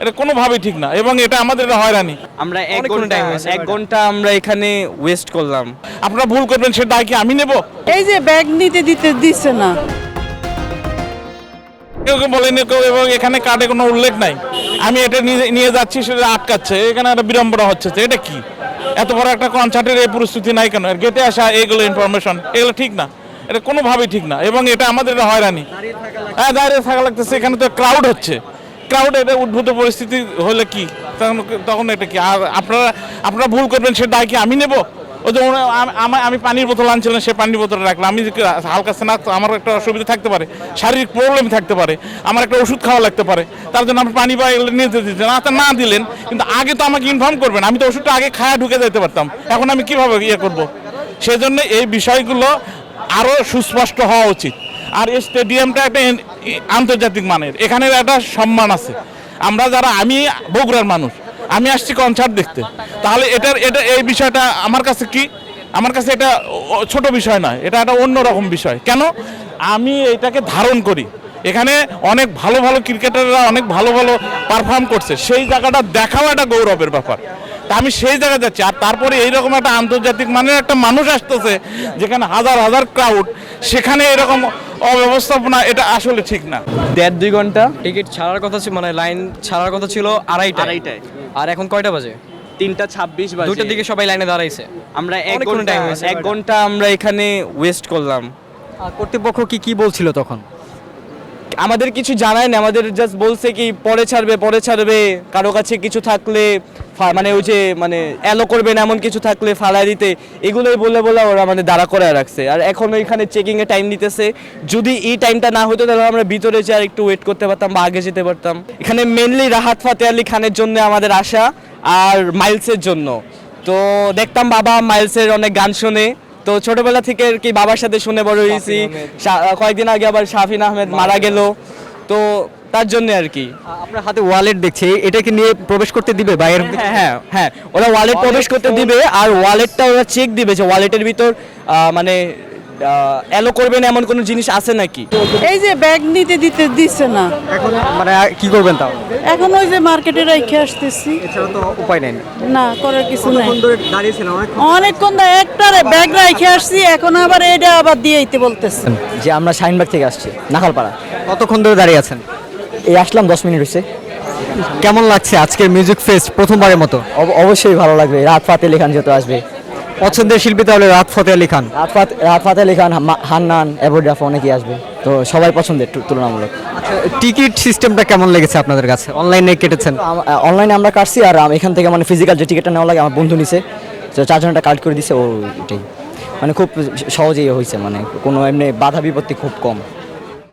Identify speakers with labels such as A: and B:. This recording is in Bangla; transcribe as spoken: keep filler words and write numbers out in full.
A: এটা কোনোভাবেই ঠিক না, এবং এটা আমাদের এটা হয়রানি।
B: আমরা এক ঘন্টা এক ঘন্টা আমরা এখানে ওয়েস্ট করলাম।
A: আপনারা ভুল করবেন, সে দায় কি আমি নেব?
C: এই যে ব্যাগ নিতে দিতে দিচ্ছে না,
A: কেউ কেউ বলেনি কেউ, এবং এখানে কার্ডে কোনো উল্লেখ নাই। আমি এটা নিয়ে নিয়ে যাচ্ছি, সেটা আটকাচ্ছে, এখানে একটা বিড়ম্বনা হচ্ছে। এটা কি এত বড় একটা কনসার্টের এই পরিস্থিতি নাই কেন? গেটে আসা এইগুলো ইনফরমেশন, এগুলো ঠিক না, এটা কোনোভাবেই ঠিক না, এবং এটা আমাদের এটা হয়রানি। হ্যাঁ, দাঁড়িয়ে থাকা লাগতেছে, এখানে তো ক্রাউড হচ্ছে, ক্রাউড এটা উদ্ভূত পরিস্থিতি হলে কি তখন তখন এটা কি? আর আপনারা আপনারা ভুল করবেন, সে দায় কি আমি নেব? ওই যে আমি পানির বোতল আনছিলাম, সে পানির বোতল রাখলাম, আমি হালকা স্নাক, আমার একটা অসুবিধা থাকতে পারে, শারীরিক প্রবলেম থাকতে পারে, আমার একটা ওষুধ খাওয়া লাগতে পারে, তার জন্য আপনি পানি বা এগুলো নিতে দিচ্ছেন না, না দিলেন। কিন্তু আগে তো আমাকে ইনফর্ম করবেন, আমি তো ওষুধটা আগে খায়া ঢুকে যেতে পারতাম, এখন আমি কিভাবে ইয়ে করব? সেজন্য এই বিষয়গুলো আরও সুস্পষ্ট হওয়া উচিত। আর এই স্টেডিয়ামটা একটা আন্তর্জাতিক মানের, এখানে একটা সম্মান আছে। আমরা যারা, আমি বগুড়ার মানুষ, আমি আসছি কনসার্ট দেখতে, তাহলে এটার এটা এই বিষয়টা আমার কাছে কি, আমার কাছে এটা ছোট বিষয় নয়, এটা একটা অন্যরকম বিষয়। কেন? আমি এটাকে ধারণ করি, এখানে অনেক ভালো ভালো ক্রিকেটাররা অনেক ভালো ভালো পারফর্ম করছে, সেই জায়গাটা দেখাও একটা গৌরবের ব্যাপার। তা আমি সেই জায়গায় যাচ্ছি, আর তারপরে এইরকম একটা আন্তর্জাতিক মানের একটা মানুষ আসতেছে, যেখানে হাজার হাজার ক্রাউড, সেখানে এরকম অব্যবস্থাপনা, এটা আসলে ঠিক না।
B: দেড় দুই ঘন্টা
D: টিকিট ছাড়ার কথা ছিল, মানে লাইন ছাড়ার কথা ছিল আড়াইটা
B: আড়াইটায়,
D: আর এখন কয়টা বাজে?
B: তিনটা ছাব্বিশ বাজে।
D: দুইটার দিকে সবাই লাইনে দাঁড়াইছে।
B: আমরা এক
D: অনেকক্ষণ
B: ঘন্টা
D: time হয়েছে
B: এক ঘন্টা আমরা এখানে ওয়েস্ট করলাম।
D: আর কর্তৃপক্ষ কি কি বলছিল তখন?
B: আমাদের কিছু জানায় না, আমাদের জাস্ট বলছে কি পরে ছাড়বে পরে ছাড়বে, কারো কাছে কিছু থাকলে ফা- মানে ওই যে মানে অ্যালো করবেন এমন কিছু থাকলে ফালাই দিতে, এগুলোই বলে বলে ওরা মানে দাঁড়া করে রাখছে। আর এখন ওইখানে চেকিং এ টাইম নিতেছে, যদি এই টাইমটা না হতো তাহলে আমরা ভিতরে যে আর একটু ওয়েট করতে পারতাম বা আগে যেতে পারতাম। এখানে মেনলি রাহাত ফাতে আলী খানের জন্য আমাদের আশা, আর মাইলসের জন্য। তো দেখতাম বাবা মাইলসের অনেক গান শোনে, তো ছোটবেলা থেকে আর কি বাবার সাথে শুনে বড় হয়েছি। শা- কয়েকদিন আগে আবার শাফিন আহমেদ মারা গেল, তো তার জন্য আর কি।
D: আপনার হাতে ওয়ালেট দেখছি, এটা কি নিয়ে প্রবেশ করতে দিবে বাইরের?
B: হ্যাঁ হ্যাঁ হ্যাঁ, ওরা ওয়ালেট প্রবেশ করতে দিবে, আর ওয়ালেটটা ওরা চেক দিবে যে ওয়ালেটের ভিতর আহ, মানে অ্যালো করবেন এমন কোনো জিনিস আছে নাকি।
C: এই যে ব্যাগ নিতে দিতে দিচ্ছে না,
D: এখন মানে কি করবেন তাও?
C: এখন ওই যে মার্কেটে রেখে আসতেছি,
D: এছাড়া তো উপায় নেই।
C: না করার কিছু নাই।
D: ধরে দাঁড়িয়েছিলেন অনেক।
C: অনেকক্ষণ ধরে একটা ব্যাগ রেখে আসছি, এখন আবার এটা আবার দিয়ে দিতে বলতেছে।
E: যে আমরা শাহিনবাগ থেকে আসছি, নাখালপাড়া।
D: কতক্ষণ ধরে দাঁড়িয়ে আছেন?
E: এই আসলাম দশ মিনিট হয়েছে।
D: কেমন লাগছে আজকের মিউজিক ফেস্ট প্রথমবারের মতো?
E: অব- অবশ্যই ভালো লাগবে, রাত ফাতে আলী খান যেহেতু আসবে।
D: পছন্দের শিল্পী তাহলে রাত ফতে আলী খান।
E: রাত ফাত রাত ফাতে আলী খান, হাম্মা- হান্নান, এভোডাফ অনেকেই আসবে, তো সবাই পছন্দের তু- তুলনামূলক।
D: আচ্ছা, টিকিট সিস্টেমটা কেমন লেগেছে আপনাদের কাছে? অনলাইনে কেটেছেন?
E: অনলাইনে আমরা কাটছি, আর আম- এখান থেকে মানে ফিজিক্যাল যে টিকিটটা নেওয়া লাগে আমার বন্ধু নিছে, তো চারজন একটা কার্ড করে দিছে, ও এটাই মানে খুব সহজেই হয়েছে, মানে কোনো এমনি বাধা বিপত্তি খুব কম।